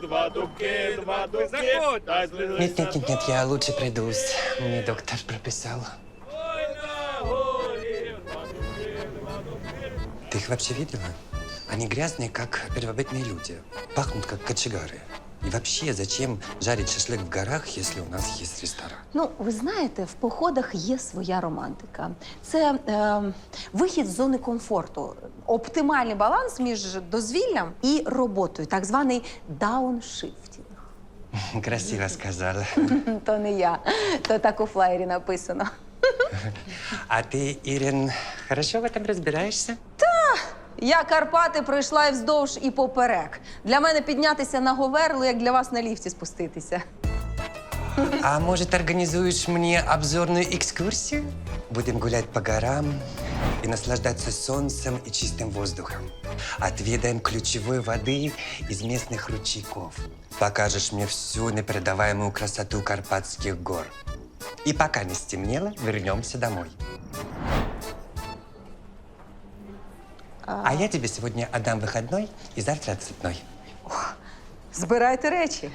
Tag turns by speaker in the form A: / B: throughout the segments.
A: два дубки, два дубки.
B: Нет, я лучше пройдусь. Мне доктор прописал. Ты их вообще видела? Они грязные, как первобытные люди. Пахнут, как кочегары. И вообще, зачем жарить шашлык в горах, если у нас есть ресторан?
C: Ну, ви знаєте, в походах є своя романтика. Це вихід з зони комфорту, оптимальний баланс між дозвіллям і роботою, так званий дауншифтінг.
B: Красиво сказала.
C: То не я, то так у флаєрі написано.
B: А ты, Ирин, хорошо в этом разбираешься?
C: Я Карпати пройшла і вздовж, і поперек. Для мене піднятися на Говерлу, як для вас на ліфті спуститися.
B: А может, организуешь мне обзорную экскурсию? Будем гулять по горам и наслаждаться солнцем и чистым воздухом. Отведаем ключевой воды из местных ручейков. Покажешь мне всю непередаваемую красоту Карпатских гор. И пока не стемнело, вернемся домой. А я тебе сегодня отдам выходной и завтра отцепной.
C: Збирайте речі.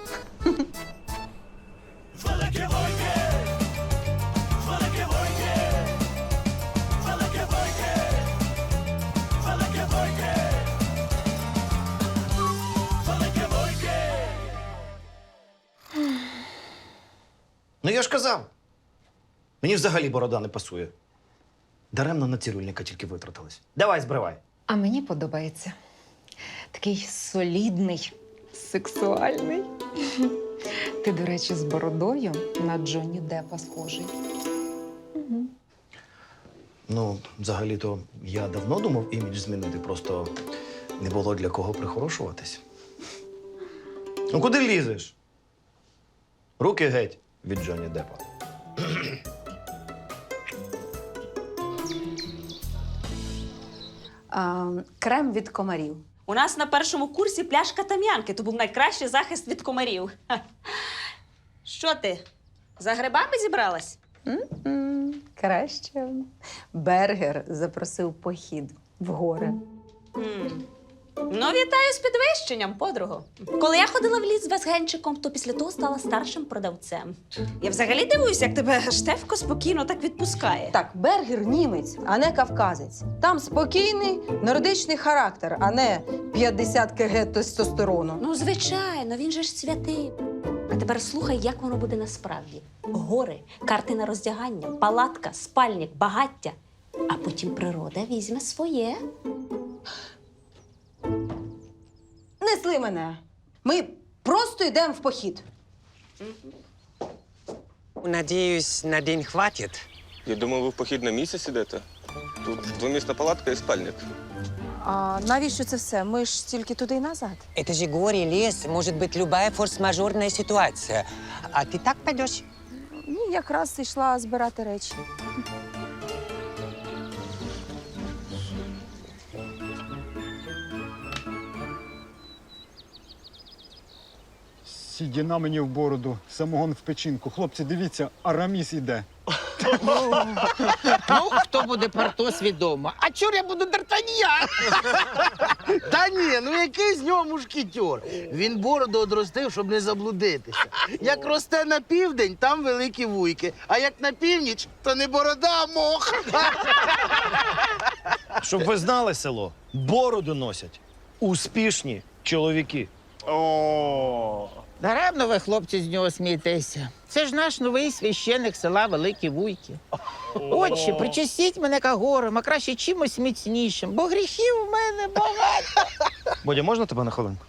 D: Ну я ж казав. Мені взагалі борода не пасує. Даремно на цирюльника тільки витратились. Давай, збривай.
E: А мені подобається. Такий солідний, сексуальний. Ти, до речі, з бородою на Джонні Деппа схожий.
D: Ну, взагалі-то я давно думав імідж змінити, просто не було для кого прихорошуватись. Ну куди лізеш? Руки геть від Джонні Деппа.
C: Крем від комарів.
F: У нас на першому курсі пляшка там'янки, то був найкращий захист від комарів. Ха. Що ти, за грибами зібралась?
C: Краще. Бергер запросив в похід в гори.
F: Ну, вітаю з підвищенням, подруго. Коли я ходила в ліс з Весгенчиком, то після того стала старшим продавцем. Я взагалі дивуюся, як тебе Штефко спокійно так відпускає.
C: Так, Бергер німець, а не кавказець. Там спокійний нордичний характер, а не 50 кг тестостерону.
F: Ну, звичайно, він же ж святий. А тепер слухай, як воно буде насправді. Гори, карти на роздягання, палатка, спальник, багаття. А потім природа візьме своє.
C: Несли мене. Ми просто йдемо в похід.
B: Надеюсь, на день хватит.
A: Я думав, ви в похід на місяць ідете. Тут двомісна палатка і спальник.
C: А навіщо це все? Ми ж тільки туди й назад.
B: Это же горе, лес, может быть любая форс-мажорная ситуация. А ты так пойдешь?
C: Ні, якраз йшла збирати речі.
G: Сідіна мені в бороду, самогон в печінку. Хлопці, дивіться, Араміс іде.
H: Ну, хто буде Портос, відомо. А чор я буду Д'Артаньян?
I: Та ні, ну який з нього мушкетер? Він бороду одростив, щоб не заблудитися. Як росте на південь, там великі вуйки. А як на північ, то не борода, а мох.
D: Щоб ви знали, село, бороду носять успішні чоловіки.
H: Даремно ви, хлопці, з нього смієтеся. Це ж наш новий священик села Великі Вуйки. Отче, причастіть мене кагором, а краще чимось міцнішим, бо гріхів у мене багато.
D: Бодя, можна тебе на хвилинку?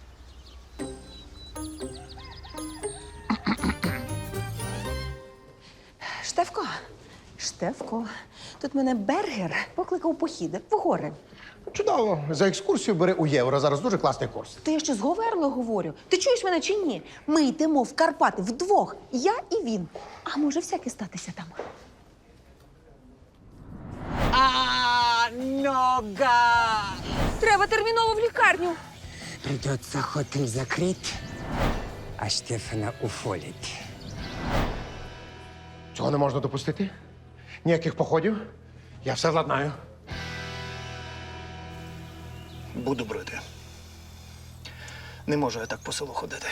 C: Штефко, тут мене Бергер покликав у похід в гори.
J: Чудово. За екскурсію бери у євро. Зараз дуже класний курс.
C: Ти я ще з Говерлою говорю. Ти чуєш мене чи ні? Ми йдемо в Карпати вдвох. Я і він. А може всяке статися там?
B: Нога!
C: Треба терміново в лікарню.
B: Придется хотель закрыть, а Штефана уволить.
J: Цього не можна допустити. Ніяких походів. Я все владнаю.
D: Буду брити. Не можу я так по селу ходити.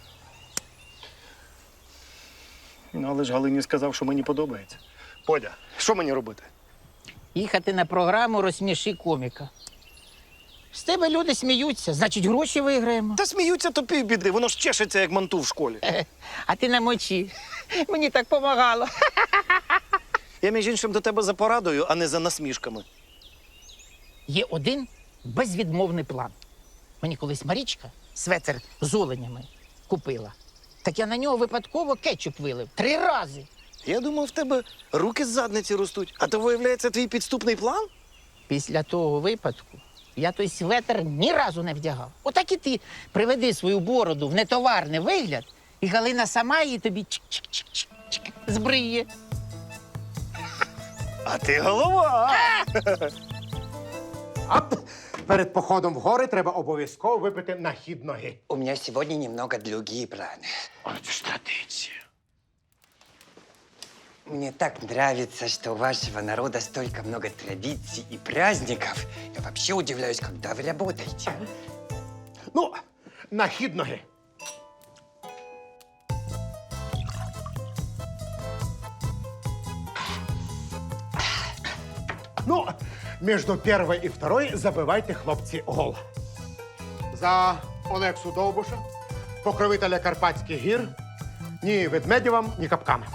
D: Ну, але ж Галині сказав, що мені подобається. Подя, що мені робити?
H: Їхати на програму «Розсміши коміка». З тебе люди сміються, значить, гроші виграємо.
D: Та сміються то півбіди, воно ж чешеться, як манту в школі.
H: А ти на мочі. Мені так помагало.
D: Я, між іншим, до тебе за порадою, а не за насмішками.
H: Є один безвідмовний план. Мені колись Марічка светер з оленями купила. Так я на нього випадково кетчуп вилив 3 рази.
D: Я думав, в тебе руки з задниці ростуть, а то, виявляється, твій підступний план?
H: Після того випадку я той светер ні разу не вдягав. Отак і ти приведи свою бороду в нетоварний вигляд, і Галина сама її тобі чик-чик-чик-чик збриє.
D: А ти голова!
J: Ап! Перед походом в гори треба обов'язково випити на хід ноги.
B: У меня сегодня немного другие планы.
J: Це ж традиція.
B: Мне так нравится, что у вашего народа столько много традиций и праздников. Я вообще удивляюсь, когда вы работаете.
J: Ну, на хід ноги. Ну, между первой и второй забивайте, хлопці, гол. За Олексу Довбуша, покровителя Карпатських гір, ні ведмедєвам, ні капками.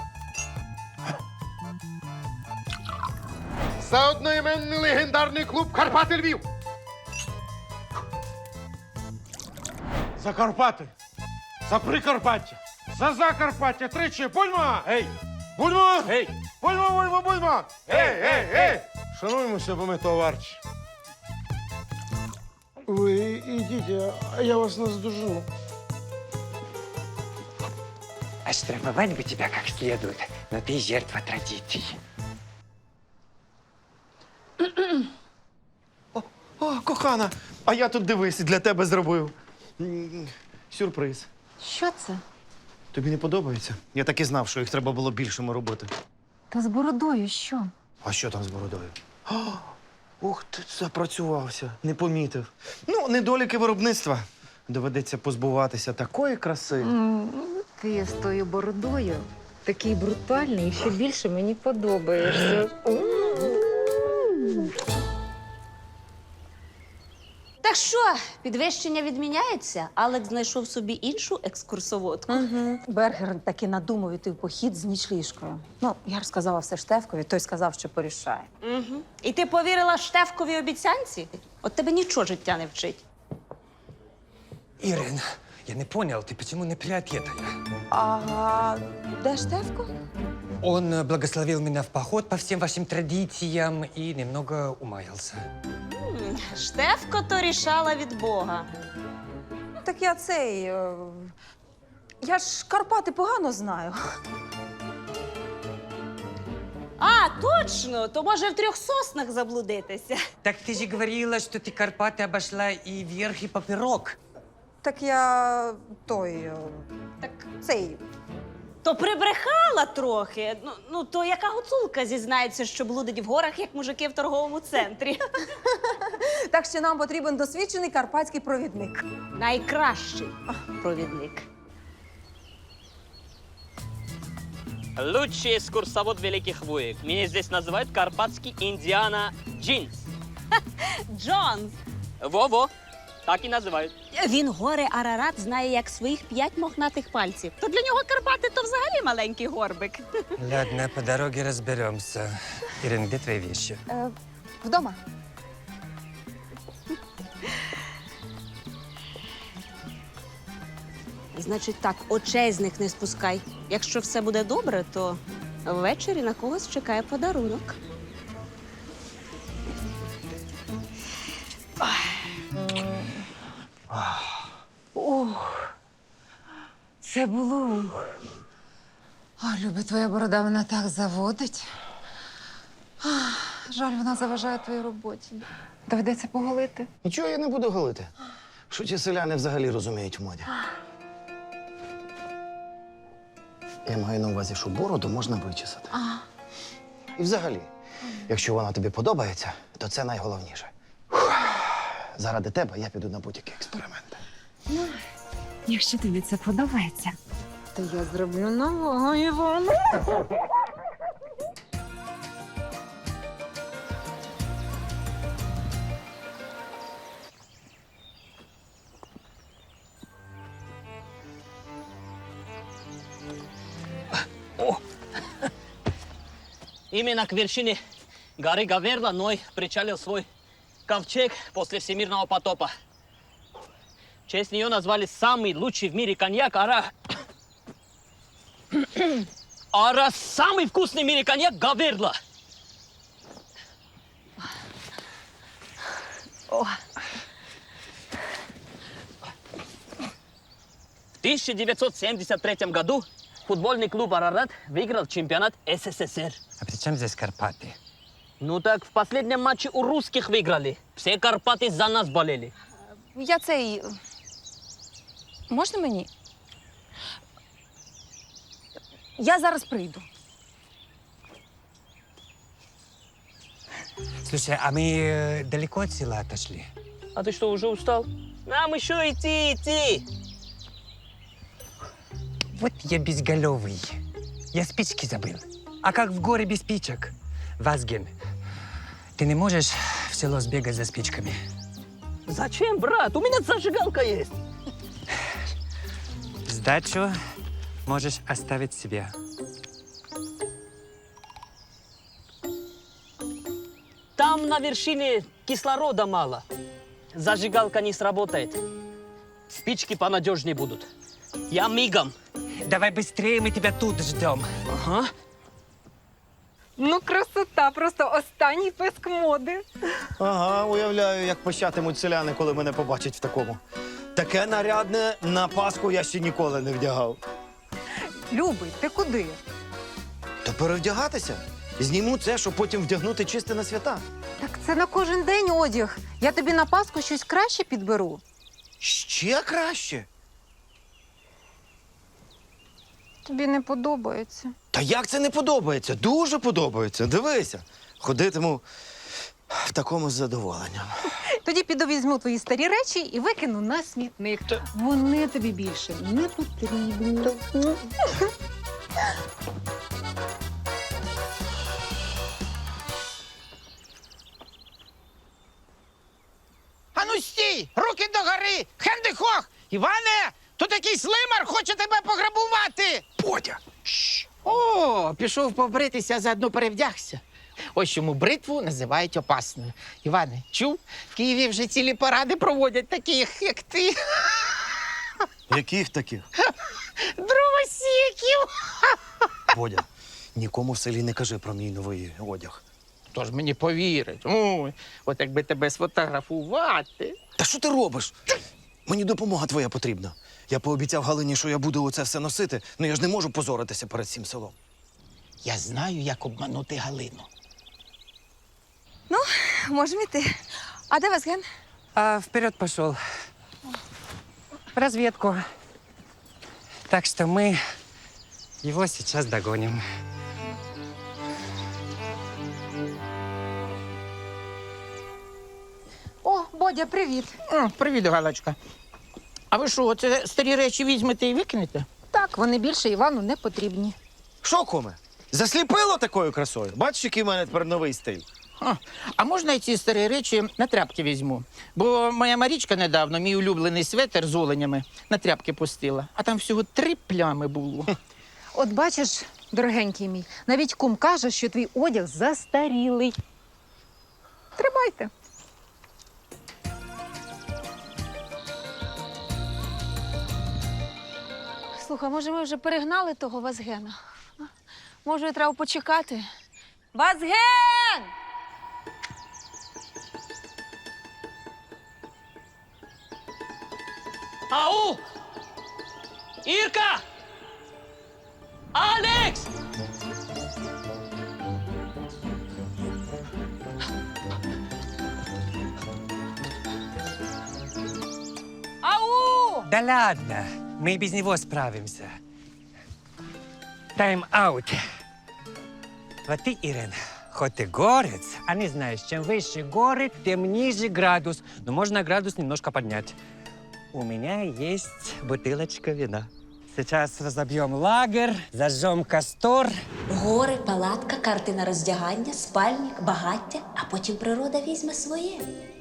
J: За одноіменний легендарний клуб Карпати Львів. За Карпати, за Прикарпаття, за Закарпаття, тричі, будьмо! Гей! Будьмо! Гей! Будьмо, будьмо, будьмо! Гей, гей, гей! Шануємося, бо ми товарчі. Ви ідіть, а я вас наздожену.
B: Оштрафовать бы тебя как следует, но ты жертва традиций.
D: О, кохана, а я тут дивись, для тебе зробив. Сюрприз.
E: Що це?
D: Тобі не подобається? Я так і знав, що їх треба було більшими робити.
E: Та з бородою що?
D: А що там з бородою? Ух, ти запрацювався, не помітив. Ну, недоліки виробництва. Доведеться позбуватися такої краси.
E: Ти з тою бородою такий брутальний і ще більше мені подобаєшся.
F: Так що, підвищення відміняється? Алекс знайшов собі іншу екскурсоводку.
C: Бергер таки надумав іти в похід з нічліжкою. Ну, я розказала все Штефкові, той сказав, що порішає.
F: Угу. І ти повірила Штефковій обіцянці? От тебе нічого життя не вчить.
B: Ирин, я не понял, ты почему не приответила?
C: А де Штефко?
B: Он благословил меня в поход по всем вашим традициям и немного умаялся.
F: Штефко то рішала від Бога.
C: Так я цей. Я ж Карпати погано знаю.
F: А, точно! То може в 3 соснах заблудитися.
B: Так ты же говорила, что ты Карпаты обошла и вверх, и поперек.
C: Так я той.
F: Так
C: Цей.
F: то прибрехала трохи. Ну, то яка гуцулка зізнається, що блудить в горах, як мужики в торговому центрі.
C: Так що нам потрібен досвідчений карпатський провідник.
F: Найкращий провідник.
K: Лучший экскурсовод Великих Вуек. Меня здесь называют карпатский Индиана Джинс.
F: Джонс.
K: Во-во, так и называют.
F: Він гори Арарат знає як своїх 5 мохнатих пальців. То для нього Карпати то взагалі маленький горбик.
B: Ладно, по дороге разберемся. Ирин, где твои вещи?
C: Вдома.
F: Значить так, очей з них не спускай. Якщо все буде добре, то ввечері на когось чекає подарунок.
E: Це було. О, Любе, твоя борода мене так заводить. Жаль, вона заважає твоїй роботі. Доведеться поголити.
D: Нічого я не буду голити. Що ті селяни взагалі розуміють в моді? Я маю на увазі, що бороду можна вичесати. І взагалі, якщо вона тобі подобається, то це найголовніше. Заради тебе я піду на будь-які експерименти.
E: Якщо тобі це подобається, то я зроблю нового Івана.
K: Именно к вершине горы Гаверла Ной причалил свой ковчег после всемирного потопа. В честь нее назвали самый лучший в мире коньяк Ара. Ара самый вкусный в мире коньяк Гаверла. В 1973 году футбольный клуб «Арарат» выиграл чемпионат СССР.
B: А при чем здесь Карпаты?
K: Ну так в последнем матче у русских выиграли. Все Карпаты за нас болели.
C: Я цей. Можна мені? Я зараз прийду.
B: Слушай, а мы далеко от села отошли?
K: А ты что, уже устал? Нам еще идти.
B: Вот я безголовый. Я спички забыл. А как в горе без спичек? Вазген, ты не можешь в село сбегать за спичками?
K: Зачем, брат? У меня зажигалка есть.
B: Сдачу можешь оставить себе.
K: Там на вершине кислорода мало. Зажигалка не сработает. Спички понадежнее будут. Я мигом.
B: Давай быстрее, мы тебя тут ждем.
K: Ага.
E: Ну, красота, просто останній писк моди.
D: Ага, уявляю, як пощатимуть селяни, коли мене побачать в такому. Таке нарядне на Пасху я ще ніколи не вдягав.
E: Любий, ти куди?
D: То перевдягатися? Зніму це, щоб потім вдягнути чисте на свята.
E: Так це на кожен день одяг. Я тобі на Пасху щось краще підберу.
D: Ще краще?
E: Тобі не подобається.
D: Та як це не подобається? Дуже подобається. Дивися. Ходитиму в такому з задоволенням.
E: Тоді піду візьму твої старі речі і викину на смітник. Вони тобі більше не потрібні.
H: Ану стій! Руки догори! Хендихох! Іване! Тут якийсь лимар хоче тебе пограбувати!
D: Бодя!
H: О, пішов побритися, заодно перевдягся. Ось чому бритву називають опасною. Іване, чув? В Києві вже цілі паради проводять таких, як ти.
D: Яких таких?
H: Дровосіків!
D: Бодя, нікому в селі не кажи про мій новий одяг.
H: Хто ж мені повірить? Ой, от якби тебе сфотографувати.
D: Та що ти робиш? Мені допомога твоя потрібна. Я пообіцяв Галині, що я буду оце все носити, але я ж не можу позоритися перед всім селом.
H: Я знаю, як обманути Галину.
C: Можемо йти. А де Вазген?
B: А вперед пошел. В разведку. Так что мы его сейчас догоним.
E: О, Бодя, привіт.
H: О, привіт, Галочка. А ви що, оце старі речі візьмете і викинете?
E: Так, вони більше Івану не потрібні.
D: Що, куме? Засліпило такою красою? Бачиш, який в мене тепер новий стиль?
H: А можна я ці старі речі на тряпки візьму? Бо моя Марічка недавно мій улюблений светер з оленями на тряпки пустила, а там всього 3 плями було.
E: От бачиш, дорогенький мій, навіть кум каже, що твій одяг застарілий. Тримайте.
C: Слухай, може, ми вже перегнали того Вазгена? А? Може, треба почекати? Вазген!
K: Ау! Ирка! Алекс!
C: Ау!
B: Да ладно, мы и без него справимся. Тайм-аут. Вот ты, Ирен, хоть ты горец, а не знаешь, чем выше горы, тем ниже градус. Но можно градус немножко поднять. у меня есть бутылочка вина. Сейчас разобьем лагерь, зажжем костер.
F: Гори, палатка, картина роздягання, спальник, багаття, а потім природа візьме своє.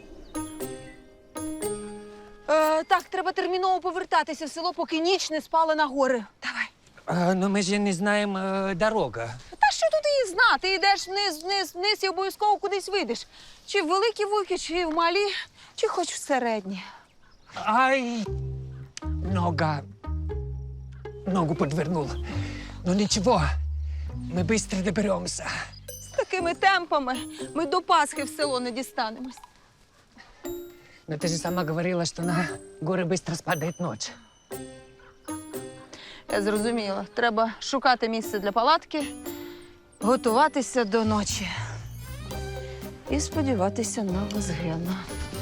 C: Так, треба терміново повертатися в село, поки ніч не спала на гори. Давай.
B: Но мы же не знаем дорога.
C: Та що тут її знати? Йдеш вниз, вниз, вниз і обов'язково кудись вийдеш. Чи в великі вуйки, чи в малі, чи хоч в середні.
B: Ай, ногу подвернул. Ну ничего, мы быстро доберемся.
C: З такими темпами ми до Пасхи в село не дістанемось.
B: Но ты же сама говорила, что на горы быстро спадает ночь.
C: Я зрозуміла. Треба шукати місце для палатки, готуватися до ночі. І сподіватися на Вазгена.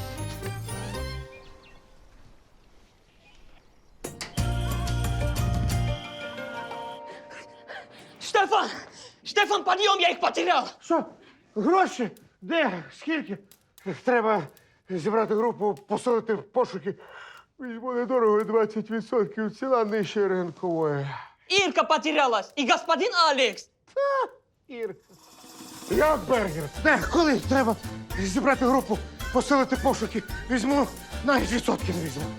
K: Штефан! Штефан, подъем, я их потерял!
J: Що? Гроші? Де? Скільки? Треба зібрати групу, посилити пошуки. Візьму недорого 20% ціна нижче ринкової.
K: Ирка потерялась и господин Алекс.
J: Ірка. Як Бергер? Де? Коли? Треба зібрати групу, посилити пошуки. Візьму, навіть відсотки не візьму.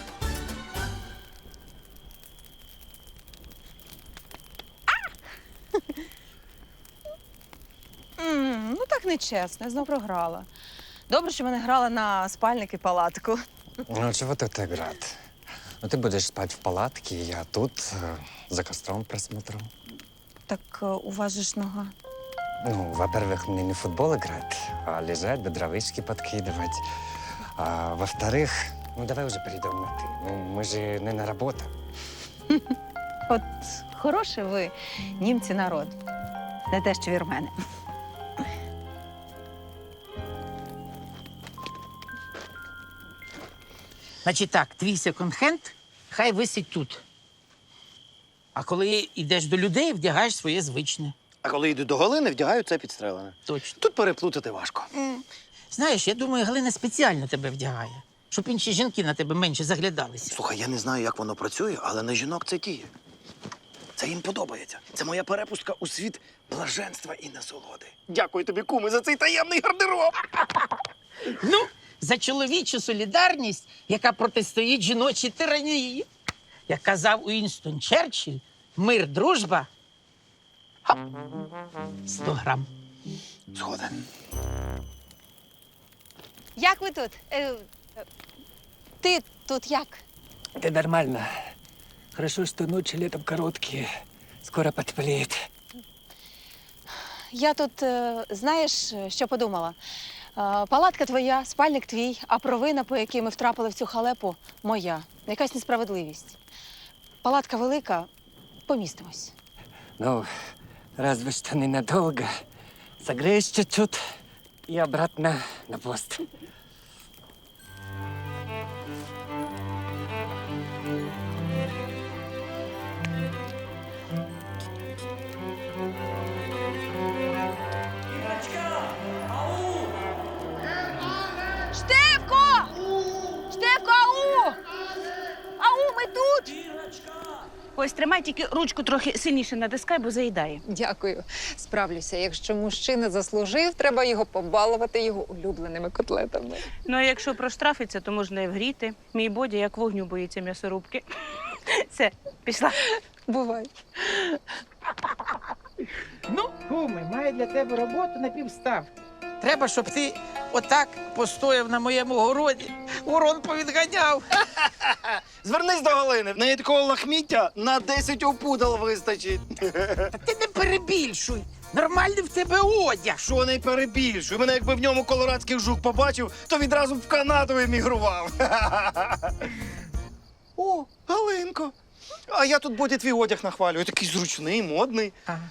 C: Ну так нечесно, я знов програла. Добре, що мене грала на спальник і палатку.
B: Ну, чего тут играть? Ну, ты будешь спать в палатке, я тут за костром просмотрю.
C: Так у вас же ж нога.
B: Ну, во-первых, мне не в футбол играть, а лежать, дровишки подкидывать. А во-вторых, ну, давай уже перейдем на «ты». Ну, мы же не на работу.
C: От хороший ви, німці, народ. Не те, що вірмени.
H: Значить так, твій секонд-хенд хай висить тут. А коли йдеш до людей, вдягаєш своє звичне.
D: А коли йду до Галини, вдягаю це підстрелене.
H: Точно.
D: Тут переплутати важко.
H: Знаєш, я думаю, Галина спеціально тебе вдягає, щоб інші жінки на тебе менше заглядалися.
D: Слухай, я не знаю, як воно працює, але на жінок це діє. Це їм подобається. Це моя перепустка у світ блаженства і насолоди. Дякую тобі, куми, за цей таємний гардероб.
H: Ну, за чоловічу солідарність, яка протистоїть жіночій тиранії. Як казав Уінстон Черчилль, мир, дружба. Хоп. 100 грам.
D: Згоден.
C: Як ви тут? Ти тут як?
B: Да нормально. Хорошо, что ночи летом короткие. Скоро потеплеет.
C: Я тут, знаєш, що подумала? Палатка твоя, спальник твій, а провина, по якій ми втрапили в цю халепу, моя. Якась несправедливість. Палатка велика, помістимось.
B: Ну, разве что ненадолго. Согреешь чуть-чуть и обратно на пост.
C: Штефко! Штефко, ау! Ау, ми тут!
F: Ось тримай, тільки ручку трохи сильніше натискай, бо заїдає.
E: Дякую. Справлюся. Якщо мужчина заслужив, треба його побалувати його улюбленими котлетами.
F: Ну, а якщо проштрафиться, то можна і вгріти. Мій Бодя як вогню боїться м'ясорубки. Все, пішла.
E: Бувай.
H: Ну, куми, маю для тебе роботу на півставки. Треба, щоб ти отак постояв на моєму городі, ворон повідганяв.
D: Звернись до Галини. В неї такого лахміття на 10 опудал вистачить.
H: Та ти не перебільшуй. Нормальний в тебе одяг.
D: Що не перебільшуй? Мене якби в ньому колорадський жук побачив, то відразу б в Канаду емігрував. О, Галинко. А я тут Боді твій одяг нахвалюю. Такий зручний, модний.
H: Ага.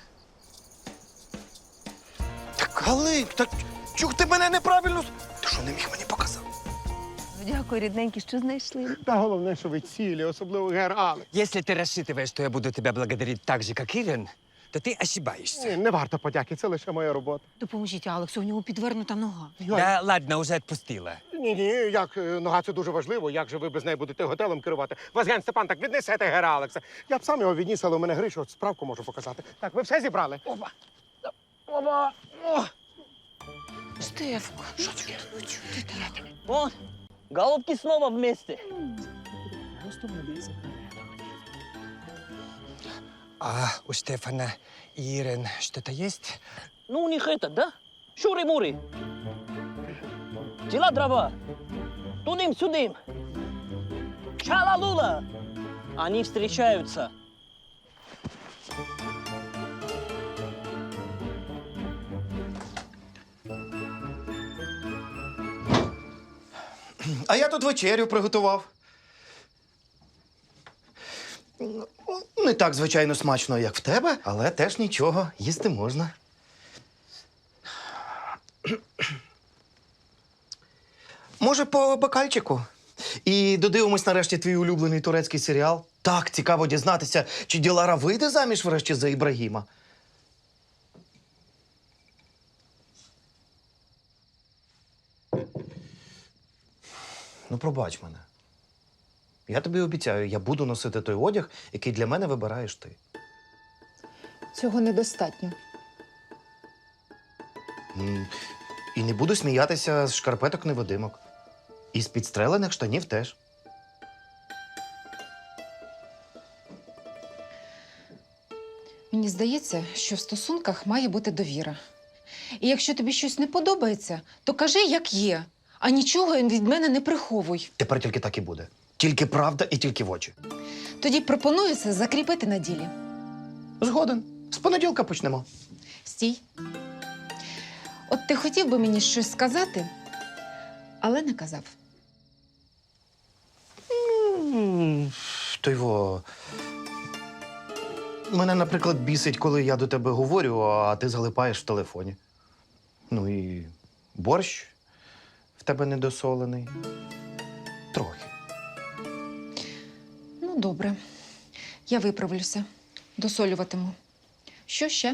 D: Так, Галин, так чух ти мене неправильно? Ти що, не міг мені показати?
C: Дякую, рідненькі, що знайшли.
J: Та головне, що ви цілі, особливо гер Алекс.
B: Если ты рассчитываешь, что я буду тебя благодарить так же, как Ирин, то ти ошибаєшся.
J: Не варто подяки, це лише моя робота.
E: Допоможіть Алексу, у нього підвернута нога.
B: Да ладно, уже відпустила.
J: Ні, як нога це дуже важливо. Як же ви без неї будете готелем керувати? Вазген Степан, так віднесете гера Алекса. Я б сам його відніс, але у мене Гриша, от справку можу показати. Так, ви все зібрали? Опа. Опа. О.
E: Штефко, що ти? Ну чого ти так?
K: Вон, голубки снова вместе.
B: А у Штефана и Ирен что-то есть?
K: Ну, у них это, да? Шури-мури. Дела дрова. Тудым-сюдым. Чала-лула. Они встречаются.
D: А я тут вечерю приготував. Не так, звичайно, смачно, як в тебе, але теж нічого, їсти можна. Може, по бокальчику? І додивимось нарешті твій улюблений турецький серіал. Так цікаво дізнатися, чи Ділара вийде заміж врешті за Ібрагіма. Ну, пробач мене. Я тобі обіцяю, я буду носити той одяг, який для мене вибираєш ти.
E: Цього недостатньо.
D: І не буду сміятися з шкарпеток-невидимок. І з підстрелених штанів теж.
E: Мені здається, що в стосунках має бути довіра. І якщо тобі щось не подобається, то кажи, як є, а нічого від мене не приховуй.
D: Тепер тільки так і буде. Тільки правда і тільки в очі.
E: Тоді пропоную це закріпити на ділі.
D: Згоден. З понеділка почнемо.
E: Стій. От ти хотів би мені щось сказати, але не казав.
D: Тойво. Мене, наприклад, бісить, коли я до тебе говорю, а ти залипаєш в телефоні. Ну і борщ в тебе недосолений. Трохи.
E: Ну, добре. Я виправлюся. Досолюватиму. Що ще?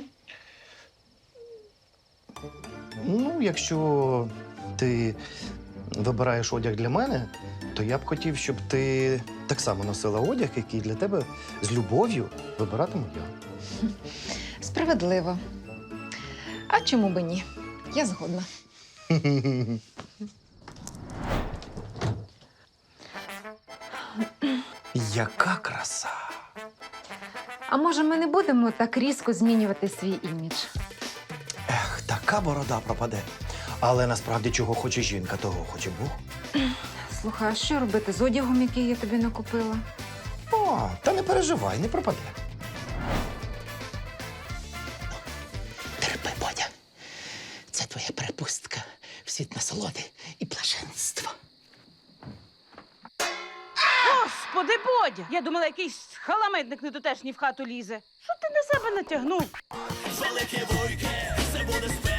D: Ну, якщо ти вибираєш одяг для мене, то я б хотів, щоб ти так само носила одяг, який для тебе з любов'ю вибиратиму я.
E: Справедливо. А чому би ні? Я згодна.
B: Яка краса!
E: А може, ми не будемо так різко змінювати свій імідж?
D: Ех, така борода пропаде. Але насправді чого хоче жінка, того хоче Бог.
E: Слухай, а що робити з одягом, який я тобі накупила?
D: О, та не переживай, не пропаде.
H: Терпи, Бодя. Це твоя перепустка в світ насолоди і блаженства.
F: Господи, Бодя! Я думала, якийсь халамидник недотешній в хату лізе. Що ти на себе натягнув?
K: Великі вуйки, це буде